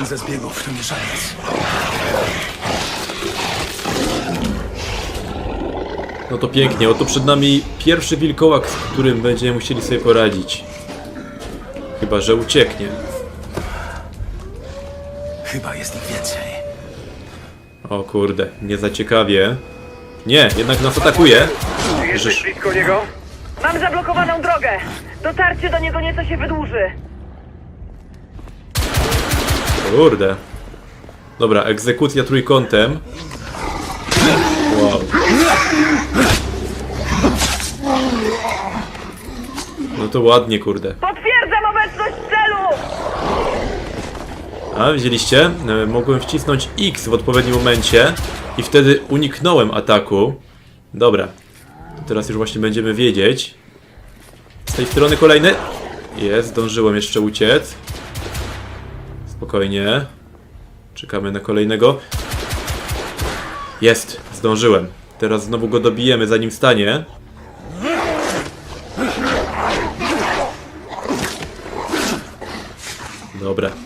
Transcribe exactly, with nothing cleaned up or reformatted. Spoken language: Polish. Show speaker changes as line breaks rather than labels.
Jeden ze zbiegów to nie szaniec.
No to pięknie, oto przed nami pierwszy wilkołak, z którym będziemy musieli sobie poradzić. Chyba że ucieknie.
Chyba jest ich więcej.
O kurde, nie za ciekawie. Nie, jednak nas atakuje.
Jesteś blisko niego?
Mam zablokowaną drogę. Dotarcie do niego nieco się wydłuży.
Kurde. Dobra, egzekucja trójkątem. Wow. No to ładnie, kurde.
Potwierdzam obecność celu!
A, widzieliście? E, Mogłem wcisnąć X w odpowiednim momencie i wtedy uniknąłem ataku. Dobra. To teraz już właśnie będziemy wiedzieć. Z tej strony kolejny. Jest, zdążyłem jeszcze uciec. Spokojnie. Czekamy na kolejnego. Jest, zdążyłem. Teraz znowu go dobijemy, zanim stanie. Dobra.